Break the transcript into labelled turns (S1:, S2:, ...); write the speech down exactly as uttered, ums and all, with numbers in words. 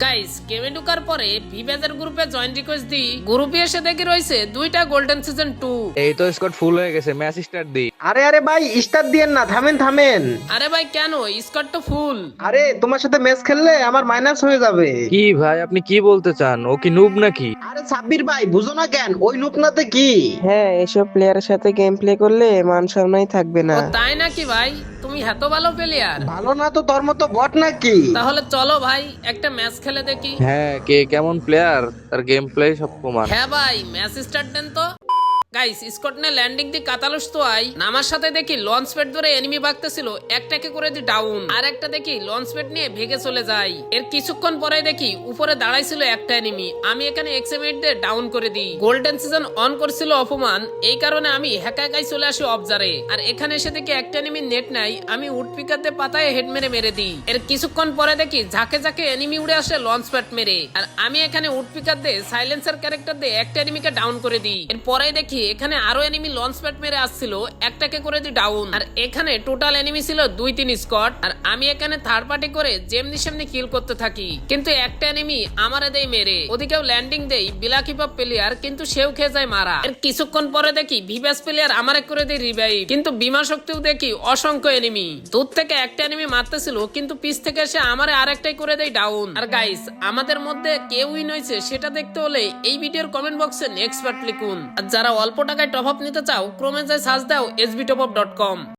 S1: Guys গেমে ঢোকার পরে ভিভেজের গ্রুপে জয়েন রিকোয়েস্ট দিই, গ্রুপে এসে দেখি রয়েছে দুইটা গোল্ডেন সিজন টু।
S2: এই তো স্কোর ফুল হয়ে গেছে, ম্যাচ স্টার্ট দি।
S3: আরে আরে ভাই স্টার দিয়েন না, থামেন থামেন।
S1: আরে ভাই কেন, স্কোর তো ফুল।
S3: আরে তোমার সাথে ম্যাচ খেললে আমার মাইনাস হয়ে যাবে।
S2: কি ভাই আপনি কি বলতে চান, ও কি নুব নাকি?
S3: আরে সাব্বির ভাই বুঝো না কেন, ওই লুপনাতে কি।
S4: হ্যাঁ, এসব প্লেয়ারের সাথে গেম প্লে করলে মান সম্মানই থাকবে
S1: ও
S4: না।
S1: তাই নাকি ভাই, তুমি এত ভালো প্লেয়ার?
S3: ভালো না তো তোর মতো বট নাকি।
S1: তাহলে চলো ভাই একটা ম্যাচ খেলে দেখি।
S2: হ্যাঁ, কে কেমন প্লেয়ার তার গেম প্লে সব প্রমাণ।
S1: হ্যাঁ ভাই ম্যাচ স্টার্ট দেন তো। গাইস স্কট নে ল্যান্ডিং দি কাতালুস তো আই নামার সাথে দেখি লঞ্চ প্যাড ধরে এনিমি ভাগতেছিল, একটাকে করে দি ডাউন, আর একটা দেখি লঞ্চ প্যাড নিয়ে ভেগে চলে যায়। এর কিছুক্ষণ পরে দেখি উপরে দাঁড়াইছিল একটা এনিমি, আমি এখানে এক্সএমএইট দিয়ে ডাউন করে দিই। গোল্ডেন সিজন অন করছিল অপমান, এই কারণে আমি একা একাই চলে আসি অবজারে। আর এখানে এসে দেখি একটা এনিমি নেট নাই, আমি উড পিকার দিয়ে পাতায় হেড মেরে মেরে দিই। এর কিছুক্ষণ পরে দেখি ঝাঁকে ঝাঁকে এনিমি উড়ে আসে লঞ্চ প্যাড মেরে, আর আমি এখানে উড পিকার দিয়ে সাইলেন্সার ক্যারেক্টার দিয়ে একটা এনিমিকে ডাউন করে দিই। এর পরে দেখি এখানে আরো এনিমি লঞ্চ প্যাড মেরে আসছিল, একটাকে করে দি ডাউন। আর এখানে টোটাল এনিমি ছিল দুই তিন স্কোয়াড, আর আমি এখানে থার্ড পার্টি করে যেমনি সেমনি কিল করতে থাকি। কিন্তু একটা এনিমি আমারে দেই মেরে, ওদিকেও ল্যান্ডিং দেই বিলাকিপপ প্লেয়ার, কিন্তু সেও খেয়ে যায় মারা। এর কিছুক্ষণ পরে দেখি ভিভাস প্লেয়ার আমারে করে দেই রিভাইভ, কিন্তু বিমা শক্তিও দেখি অসংখ্য এনিমি। দূর থেকে একটা এনিমি মারতেছিল, কিন্তু পিছ থেকে এসে আমারে আরেকটাই করে দেই ডাউন। আর গাইস আমাদের মধ্যে কে উইন হয়েছে সেটা দেখতে হলে এই ভিডিওর কমেন্ট বক্সে নেক্সট পার্ট লিখুন। আর যারা অল্প টাকায় টপ আপ নিতে চাও ক্রমে যায় সার্চ দাও এসবি টপ আপ ডট কম।